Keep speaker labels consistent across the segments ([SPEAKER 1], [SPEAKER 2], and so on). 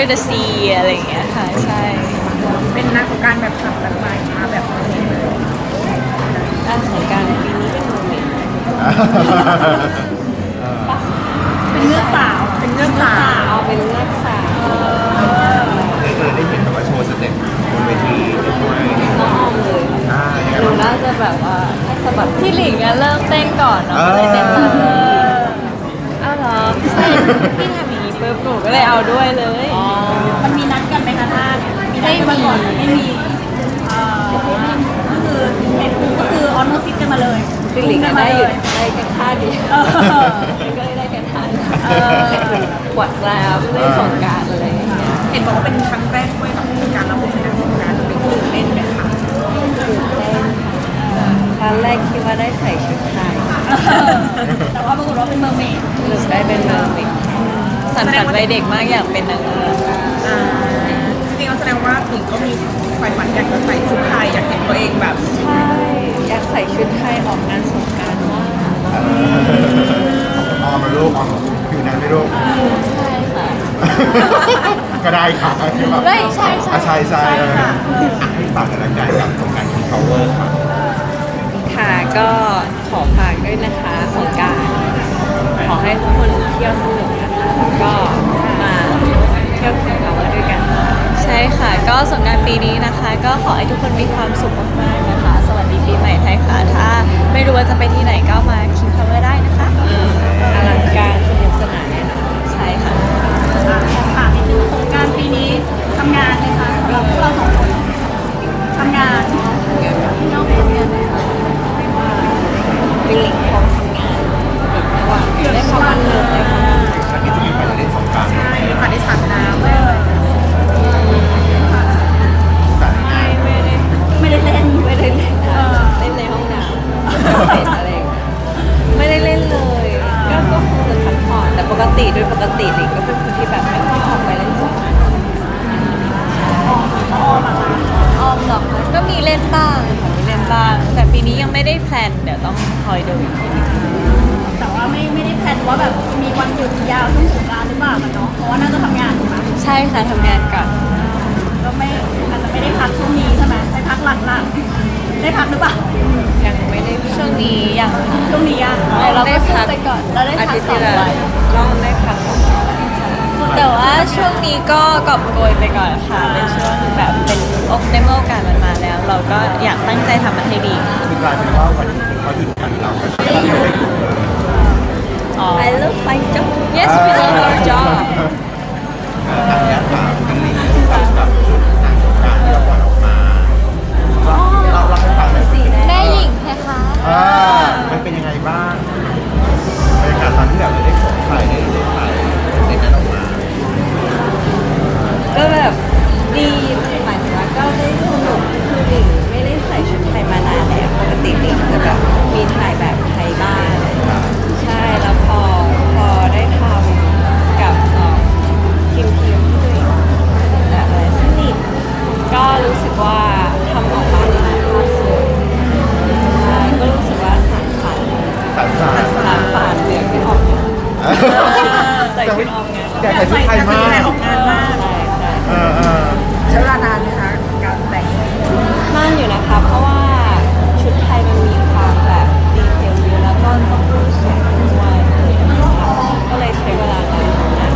[SPEAKER 1] the sea อะไรอย่างเงี้ยค่ะใช่
[SPEAKER 2] เป็นนางสงกรานต์แบบขับแบบใหม่มาแบบนี้เลย
[SPEAKER 1] นางสงกรานต์ปีนี้เป็นโมเมนต์
[SPEAKER 2] เป็นเงือกสาวเป็นเงือกสาว
[SPEAKER 1] เอาเป็นเลือกสาว
[SPEAKER 3] ได้เห็นแบบว่าโชว์สเต็ปบนเวทีด้วย
[SPEAKER 1] น้องออมเลย
[SPEAKER 3] ยังไง
[SPEAKER 1] หนู
[SPEAKER 3] บ้าง
[SPEAKER 1] น่าจะแบบว่าน่าจะแบบพี่หลิงอะเริ่มเต้นก่อนเนาะก็เลยเต้นตามพี่อ้าวเหรอใช่พี่ทำอย่างนี้ปุ๊บหนูก็เลยเอาด้วยเลย
[SPEAKER 2] มันมีนัดกันไหมคะท่าเนี่ยมีนัดกันมาก่อนไม่มีก็คือเห็นปุ๊บก็คือออนโนซิกกันมาเลย
[SPEAKER 1] พี่หลิงก็ได้อยู่ได้แค่ท่าเดียวก็ได้แค่ท่าเดียวกวาดแล้เล่นสงกรานต์อะไรอย่างเงี้ย
[SPEAKER 2] เห็นบอกว่าเป็นครั้งแรกด้วยกับการรับบทเป็นนางสงกรานต์เป็นตื่นเต้นไหมคะ
[SPEAKER 1] ครั้งแรกคิดว่าได้ใส่ชุดไทย
[SPEAKER 2] แต่ว่าปรากฏว่าเป็นเมอร์เมด
[SPEAKER 1] หรือได้เป็นเมอร์เมดสันฝันวัยเด็กมากอยากเป็นนางเงือก
[SPEAKER 2] จริงๆแล้วแสดงว่าหญิงก็มีใฝ่ฝันอยากจะใส่ชุดไทยอยากเห็นตัวเองแบบ
[SPEAKER 1] ใช่อยากใส่ชุดไทยออกงานสงกรานต์มาก
[SPEAKER 3] ออมมาลูกออมผิวนั้นไม่ลูก
[SPEAKER 1] ใช่ค่ะ
[SPEAKER 3] ก็ได้ค่ะที่แบบ
[SPEAKER 1] ไม่ใช่ใช่
[SPEAKER 3] ใช่ให้ฝากกันละกันกับสงการคิงพาวเวอร์ค่ะ
[SPEAKER 1] ค่ะก็ขอฝากด้วยนะคะสงกรานต์ขอให้ทุกคนเที่ยวสนุกนะคะแล้วก็มาเที่ยวคิงพาวเวอร์ด้วยกันค่ะใช่ค่ะก็สงกรานต์ปีนี้นะคะ ก็ขอให้ทุกคนมีความสุขมากๆนะคะ สวัสดีปีใหม่ไทยค่ะถ้าไม่รู้ว่าจะไปที่ไหนก็มาคิงพาวเวอร์ได้นะคะอลังการสนุกสนานแน่นอนใช่ค่ะ
[SPEAKER 2] ถามนิดนึงสงกรานต์ปีนี้ทำงานไหมคะสำหรับพวกเราสองคนทำงาน
[SPEAKER 1] น้องทำงานไหมคะเป็นหลิงพร้อมทำงานระหว่างได้เข้าวันหนึ่งเลยค่ะ
[SPEAKER 3] ครั้งนี้จะมีไปเล่นสงการ
[SPEAKER 2] ใช่ผ่านได้สัตว์น้ำเลย
[SPEAKER 3] สัตว์งาน
[SPEAKER 2] ไม่ได้เล่น
[SPEAKER 1] ไม่ได้เล่นค่ะเล่นในห้องน้ำเล่นอะไรอย่างเงี้ยไม่ได้เล่นเลยก็คงจะพักผ่อนแต่ปกติโดยปกติหลิงก็เป็นคนที่แบบไม่ค่อยออกไปเล่นสงกรานต์ออมหรอกคะก็มีเล่นบ้างค่ะมีเล่นบ้าง แต่ปีนี้ยังไม่ได้แพลนเดี๋ยวต้องคอยดูอีกทีนึง
[SPEAKER 2] แต่ว่าไม่ได้แพลนว่าแบบมีวันหยุดยาวช่วงสงกรานต์หรือเปล่ากันเนาะเพราะว่าน่าจะทำงานถูกไหม
[SPEAKER 1] ใช่ค่ะทำงานก่อน
[SPEAKER 2] ก็ไม่อาจจะไม่ได้พักช่วงนี้ใช่ไหมได้พักหลังๆได้พักหรือเปล่า
[SPEAKER 1] ยังไม่ได้ช่วงนี้ยังค่ะ
[SPEAKER 2] ช่วงนี้ยัง
[SPEAKER 1] เราได้พักไปก่อน
[SPEAKER 2] เราได้พัก
[SPEAKER 1] อาทิตย์
[SPEAKER 2] สอ
[SPEAKER 1] ที่
[SPEAKER 2] ง
[SPEAKER 1] แล้ว
[SPEAKER 2] วัน
[SPEAKER 1] เราได้พักแต่ว่าช่วงนี้ก็กอบโกยไปก่อนค่ะเป็นช่วงแบบเป็นในเมื่อโอกาสมันมาแล้ว เราก็อยากตั้งใจทำมันให้ดี
[SPEAKER 3] คือกลายเป็นว่าวันนี้เขาหยุดกันเราก็ไม่ได้
[SPEAKER 1] I love my job yes we love our job
[SPEAKER 3] อันนี้ถามกันนิดนึงกับชุดนางสงกรานต์ที่เราปล่อยออกมาเราให้ฟังหน่อยสิ
[SPEAKER 1] แม่หญิงเพคะ
[SPEAKER 3] มันเป็นยังไงบ้างบรรยากาศตอนที่แบบเราได้สวมใส่ได้ถ่ายเสร็จกันออกมา
[SPEAKER 1] ก็แบบดีหมายถึงว่าก็ได้สนุกคือหลิงไม่ได้ใส่ชุดไทยมานานแล้วปกติหลิงจะแบบมีถ่ายแบบไทยบ้างใช่แล้วพอได้ทำกับทีมที่ตัวเองแบบอะไรสนิทก็รู้สึกว่าทำออกมาดีมากเลยใช่ก็รู้สึกว่าสานฝัน
[SPEAKER 3] ตัดสาย
[SPEAKER 1] สานฝันเสียงที่ออกเนี่ยใส่ชุดออกงาน
[SPEAKER 3] อยากใส่ชุดไทยมาก
[SPEAKER 2] ออกงานมาก
[SPEAKER 1] ใช่ใช่
[SPEAKER 2] ใช้เวลานานไหมคะการแต่ง
[SPEAKER 1] นานอยู่นะคะเพราะว่าชุดไทยมันมีความแบบดีเทลเยอะแล้วก็ต้องพูดเสียงด้วยก็เลยใช้เวลานาน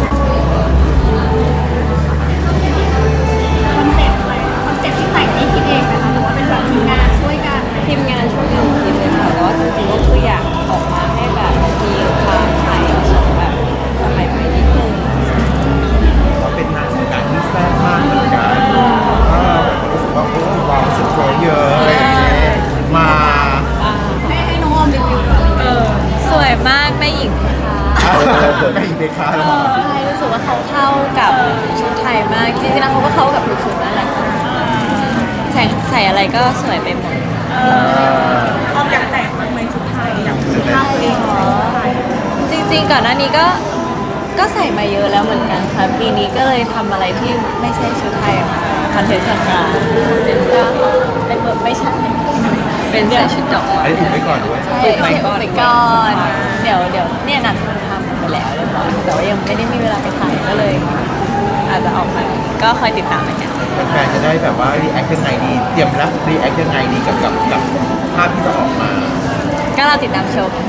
[SPEAKER 2] คอนเซ็ปต์อะไรคอนเซ็ปต์ที่แต่งนี่คิดเองไหมคะหรือว่าเป็นแบบทีมงานช่วยกัน
[SPEAKER 1] ทีมงานช่วยกันคิดเลยค่ะแต่ว่าจริงๆก็คืออยากออกมาให้แบบมีความไทยแบบสมัยใหม่นิดนึง
[SPEAKER 3] เขาเป็นนางสงกรานต์ที่แซ่บมากเหมือนกันรู้สึกว่าโอ้ว้าวสุดโคเยอะอะไรอย่างเงี้ยมา
[SPEAKER 2] ให้น้องออมรีวิวก่อน
[SPEAKER 1] สวยมากแม่หญิงค่ะ
[SPEAKER 3] ไม่อีกเดคาแล้ว
[SPEAKER 1] ใช่รู้สึกว่าเขาเข้ากับชุดไทยมากจริงๆแล้วเขาก็เข้ากับทุกชุดนั่นแหละค่ะใส่อะไรก็สวยไปหมด
[SPEAKER 2] ออมอยากแต่งมันเป็นชุดไทยอยากชุดผ้าตัวเองใส่ชุดไทย
[SPEAKER 1] จริงๆก่อนหน้านี้ก็ใส่มาเยอะแล้วเหมือนกันค่ะปีนี้ก็เลยทำอะไรที่ไม่ใช่ชุดไทยออกมาคอนเทนต์สงกรานต์เป็นแบบไม่ใช่เป็นใส่ชุดดอกไม้
[SPEAKER 3] ไอ้ถูกไว้ก่อนด้วย
[SPEAKER 1] ใช่ไปก่อนเดี๋ยวเนี่ยนัดคนทำไปแล้วเรียบร้อยแต่ว่ายังไม่ได้มีเวลาไปถ่ายก็เลยอาจจะออกมาก็คอยติดตามนะคะ
[SPEAKER 3] แฟนๆจะได้แบบว่ารีแอคยังไงดีเตรียมรับรีแอคยังไงดีกับภาพที่จะออกมา
[SPEAKER 1] ก็เราติดตามชม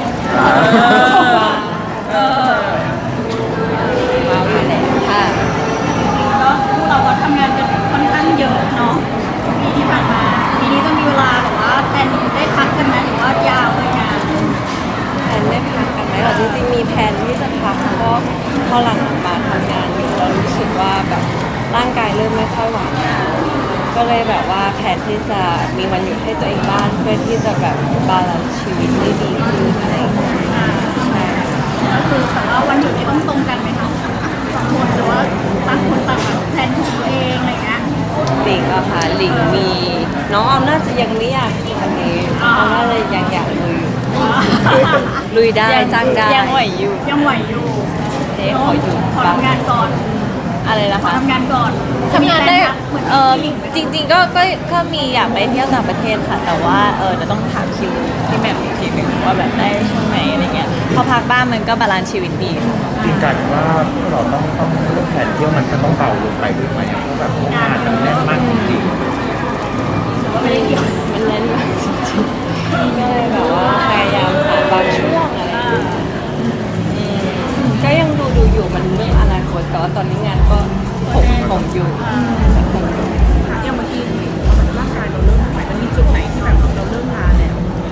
[SPEAKER 2] เออ
[SPEAKER 1] ว้าวอยู่แล้วค่ะ
[SPEAKER 2] ก็คู่เราก็ทำงานกันค่อนข้างเยอะเนาะปีที่ผ่านมาปีนี้จะมีเวลาแบบว่าแทนได้พักกันไหมหรือว่ายาวเลยงาน
[SPEAKER 1] แผนได้พักกันไหมหรอจริงๆมีแผนที่จะพักเพราะพอหลังมาทำงานอยู่เรารู้สึกว่าแบบร่างกายเริ่มไม่ค่อยไหวก็เลยแบบว่าแผนที่จะมีวันหยุดให้ตัวเองบ้างเพื่อที่จะแบบบาลานซ์ชีวิตได้ดีขึ้นอะไรอย่างเงี้ยใช่
[SPEAKER 2] ก็คือแต่ว่าวันหยุดนี้ต้องตรงกันไหมคะสองคนหรือว่าต่างคนต่างแบบแทนของตัวเองอะไรเงี้ย
[SPEAKER 1] หลิงอะค่ะหลิงมีน้องออมน่าจะยังไม่อยากอันนี้ออมน่าจะยังอยากลุยลุยได้จ้างได้ยังไหวอยู่
[SPEAKER 2] ยังไหวอยู่
[SPEAKER 1] เจ๊ขออยู่
[SPEAKER 2] ขอทำงานก่อน
[SPEAKER 1] อะไรนะ
[SPEAKER 2] ขอ
[SPEAKER 1] คะ
[SPEAKER 2] ทำงานก่อน
[SPEAKER 1] ทำงานได้
[SPEAKER 2] เหมือน
[SPEAKER 1] จริงๆก็มีอยากไปเที่ยวต่างประเทศค่ะ แต่ว่าจะต้องถามคิวที่แหม่มอีกทีหนึ่งว่าแบบได้ช่วงไหนอะไรเงี้ยพอพักบ้านมันก็บาลานซ์ชีวิตดี
[SPEAKER 3] จริงกันว่าเราต้องเรื่องแผนเที่ยวมันจะต้องเบาลงไปด้วยไหมเพราะแบบงานมันแน่นมากจริง
[SPEAKER 2] หรือว่าไม่ได้เกี่ยว
[SPEAKER 1] มันแน่นมากจริงๆก็เลยแบบว่าพยายามหาบางช่วงอะไรอย่างเงี้ยก็ยังดูอยู่มันเรื่องอนาคตแต่ว่าตอนนี้งานก็ผมอยู่
[SPEAKER 2] อย่างเมื่อกี้ร่างกายเราเริ่มไหวมันมีจุดไหนที่แบบเราเริ่มล้าแล้ว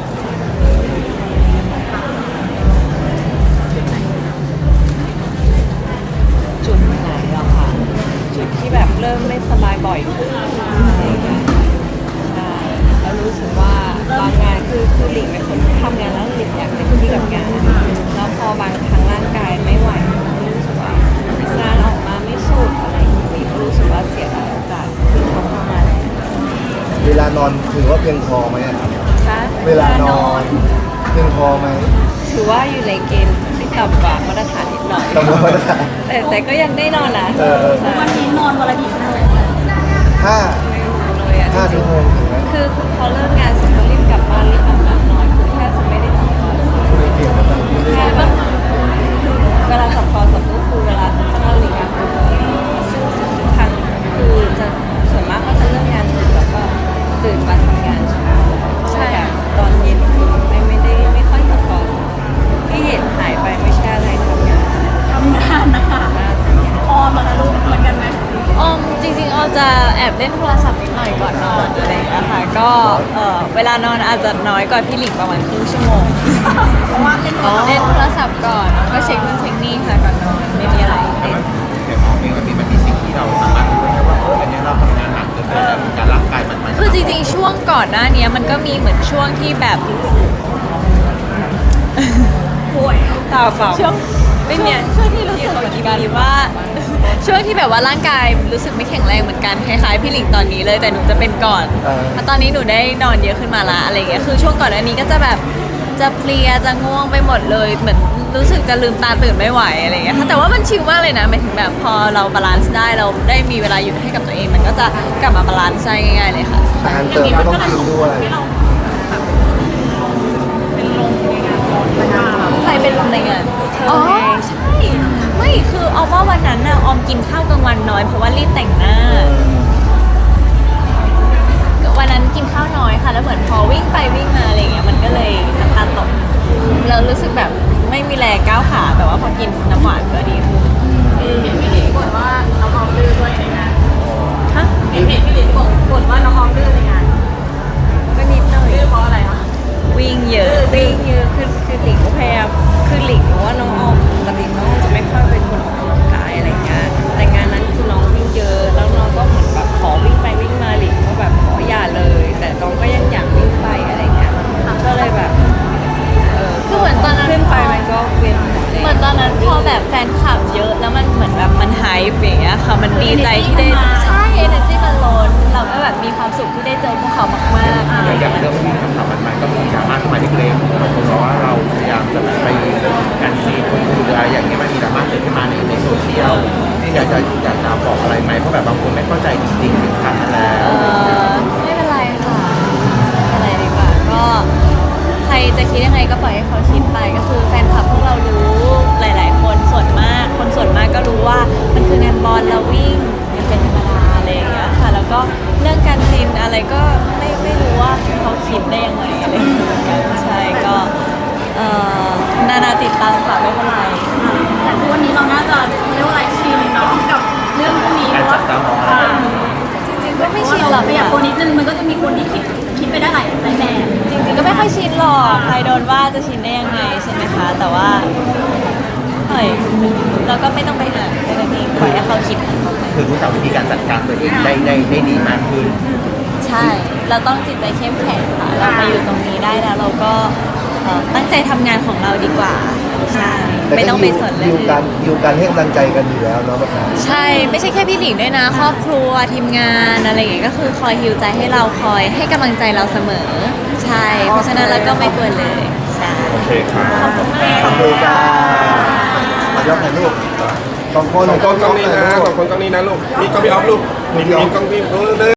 [SPEAKER 1] จุดไหนหรอคะจุดที่แบบเริ่มไม่สบายบ่อยขึ้นอะไรอย่างเงี้ยใช่แล้วรู้สึกว่าบางงานคือหลิงเป็นคนที่ทำงานแล้วหลิงอยากเต็มที่กับงานแล้วพอบางครั้งร่างกายไม่ไหวรู้สึกว่างานออกมาไม่สุดอะไรอย่างเงี้ยก็รู้สึกว่าเสียดายโอกาสที่เขาทำมาแล้ว
[SPEAKER 4] เวลานอนถือว่าเพียงพอไหมอะครับ
[SPEAKER 1] ค่ะ
[SPEAKER 4] เวลานอนเพียงพอไหม
[SPEAKER 1] ถือว่าอยู่ในเกณฑ์ที่ต่ำกว่ามาตรฐานนิดหน่อย
[SPEAKER 4] ต่ำกว่ามาตรฐาน
[SPEAKER 1] แต่ก็ยังได้นอนนะ ใช่
[SPEAKER 2] วันนี้นอนวันละกี่ชั่วโมง
[SPEAKER 4] ห้า
[SPEAKER 1] ไม่รู้เลยอะ
[SPEAKER 4] 5 ชั่วโมงถึงไหม
[SPEAKER 1] คือพอเลิกงานเสร็จก็รีบกลับบ้านรีบอาบน้ำนอนคือแทบจะไม่ได้จับโทรศัพท์
[SPEAKER 4] ไม่เกี่ยวกับการที่ได้
[SPEAKER 1] แค่แบบเวลาจับโทรศัพท์ก็คือเวลาต้องนาฬิกาปลุกซึ่งทุกครั้งคือจะส่วนมากก็จะเลิกงานดึกแล้วก็ตื่นมาทำงานเช้าใช่แบบตอนเย็นคือไม่ค่อยจับโทรศัพท์ที่เห็นหายไปไม่ใช่อะไรทำงาน
[SPEAKER 2] ทำงานนะคะออมอะคะลูกเหมือนกันไหม
[SPEAKER 1] ออมจริงๆออมจะแอบเล่นโทรศัพท์นิดหน่อยก่อนนอนอะไรอย่างเงี้ยค่ะก็เวลานอนอาจจะน้อยกว่าพี่หลิงประมาณครึ่งชั่วโมง
[SPEAKER 2] เพราะว่าเล่น
[SPEAKER 1] เล่นโทรศัพท์ก่อนแล้วก็เช็คนู่นเช็คนี่ค่ะก่อนนอนไม่มีอะไร
[SPEAKER 3] ๆแต่มันแต่มองเองมันมีสิ่งที่เราสามารถรู้ได้ว่าอันนี้เราทำงานหนักเกินไปแล้วการร่างกายมัน
[SPEAKER 1] คือจริงๆช่วงก่อนหน้านี้มันก็มีเหมือนช่วงที่แบบ
[SPEAKER 2] ป่วย
[SPEAKER 1] ตาเปล่าช่วงไม่เนี่ยช่วงที่รู้สึกเหมือนกันว่าช่วงที่แบบว่าร่างกายรู้สึกไม่แข็งแรงเหมือนกันคล้ายๆพี่หลิงตอนนี้เลยแต่หนูจะเป็นก่อนเพราะตอนนี้หนูได้นอนเยอะขึ้นมาละอะไรอย่างเงี้ยคือช่วงก่อนหน้านี้ก็จะแบบจะเพลียจะง่วงไปหมดเลยเหมือนรู้สึกจะลืมตาตื่นไม่ไหวอะไรอย่างเงี้ยค่ะแต่ว่ามันชิลมากเลยนะหมายถึงแบบพอเราบาลานซ์ได้เราได้มีเวลาหยุดให้กับตัวเอง มันก็จะกลับมาบาลานซ์ได้ง่ายๆเลยค่ะ
[SPEAKER 4] อาหารเติมก็ต้องกินด้วย
[SPEAKER 2] ให้เราแบบเป็นลมในงานร้อนมาก
[SPEAKER 1] ใครเป็นลมในงานอ๋อใช่ ไม่คือออมว่าวันนั้นน่ะออมกินข้าวกลางวันน้อยเพราะว่ารีบแต่งหน้า วันนั้นกินข้าวน้อยค่ะ แล้วเหมือนพอวิ่งไปวิ่งมาอะไรเงี้ยมันก็เลยน้ำตาลตกเรารู้สึกแบบไม่มีแรงก้าวขาแต่ว่าพอกินน้ำหวานก็ดีขึ้น
[SPEAKER 2] เห็นพี่หลิงบ่นว่าน้องออมดื้อด้วยในงาน
[SPEAKER 1] ฮะ
[SPEAKER 2] เห็นพี่หลิงบ่นว่าน้องออมดื้อในงาน
[SPEAKER 1] ก็นิดหน่อย
[SPEAKER 2] ดื้อเพราะอะไรคะ
[SPEAKER 1] วิ่งเยอะคือหลิงก็พยายามคือหลิงรู้ว่าน้องออมปกติน้องออมจะไม่ค่อยเป็นคนออกกำลังกายอะไรเงี้ยแต่งานนั้นคือน้องวิ่งเยอะแล้วน้องก็เหมือนแบบขอวิ่งไปวิ่งมาหลิงก็แบบขออย่าเลย แต่น้องก็ยังอยากวิ่งไปอะไรเงี้ยก็เลยแบบคือเหมือนตอนนั้นขึ้นไปมันก็เวียนหัวเหมือนตอนนั้นพอแบบแฟนคลับเยอะแล้วมันเหมือนแบบมันไฮป์อย่างเงี้ยค่ะมันดีใจที่ได้ใช่ energy มันล้นเราก็แบบมีความสุขที่ได้เจอพวกเขามากๆอะไร
[SPEAKER 3] อย่าง
[SPEAKER 1] เงี้ย
[SPEAKER 3] เรื่องที่คำถามมันก็มีดราม่าขึ้นมาเล็กๆบางคนบอกว่าเราพยายามจะไปกันซีคนอื่นอะไรอย่างเงี้ยมันมีดราม่าเกิดขึ้นมาในโซเชียลที่อยากจะบอกอะไรไหมเพราะแบบบางคนไม่เข้าใจจริงๆถึงขั้นนั้นแล้ว
[SPEAKER 1] ไม่เป็นไรค่ะไม่เป็นไรดีกว่าก็ใครจะคิดยังไงก็ปล่อยให้เขาคิดไปก็คือแฟนคลับพวกเรารู้หลาย ๆ คนส่วนผลมากคนส่วนมากก็รู้ว่ามันคืองานบอลเราวิ่งมันเป็นธรรมดาอะไรอย่างเงี้ยค่ะแล้วก็เรื่องการซีนอะไรก็ไม่รู้ว่าเขาคิดได้ยังไงอะไรอย่างเงี้ยเหมือนกันใช่ก็นานาติดตามค่ะไม่เป็นไร
[SPEAKER 2] แต่ทุกวันนี้เราน่าจะเรียกว่าอะไรชินเนาะกับเรื่องพวกนี้เพราะว่า
[SPEAKER 1] จริงๆก็ไม่
[SPEAKER 2] เพราะ
[SPEAKER 1] ชิน
[SPEAKER 2] ว่า
[SPEAKER 1] หร
[SPEAKER 2] เรา
[SPEAKER 1] อก
[SPEAKER 2] ไปอยาก
[SPEAKER 1] ค่ะ
[SPEAKER 2] คนนิดนึงมันก็จะมีคนที่คิดไปได้หลายแบบ
[SPEAKER 1] จริงๆก็ไม่ค่อยชินหรอกใครโดนว่าจะชินได้ยังไงใช่ไหมคะแต่ว่าเฮ้ยเราก็ไม่ต้องไปอ่านแค่นั้นเองปล่อยให้เขาคิดของเขาไป
[SPEAKER 3] คือรู้จักวิธีการจัดการตัวเองได้ดีมากขึ้น
[SPEAKER 1] ใช่ เราต้องจิตใจเข้มแข็งค่ะ เรามาอยู่ตรงนี้ได้แล้วเราก็ตั้งใจทำงานของเราดีกว่า ใช่ ไม่ต้องไปสนเลย
[SPEAKER 4] อยู่กันให้กำลังใจกันอยู่แล้วเนาะมะขาม
[SPEAKER 1] ใช่ ไม่ใช่แค่พี่หลิงด้วยนะ ครอบครัวทีมงานอะไรอย่างเงี้ยก็คือคอยฮิวใจให้เราคอยให้กำลังใจเราเสมอ ใช่ เพราะฉะนั้นเราก็ไม่กลัวเลย ใช่
[SPEAKER 3] โอเคค่ะ
[SPEAKER 4] ขอบคุณจ้ามายกถ่ายรูปสองคน
[SPEAKER 5] สองคนกล้องนี้นะสองคนกล้องนี้นะลูกนี่กล้องพี่ออฟลูกนี่กล้องพี่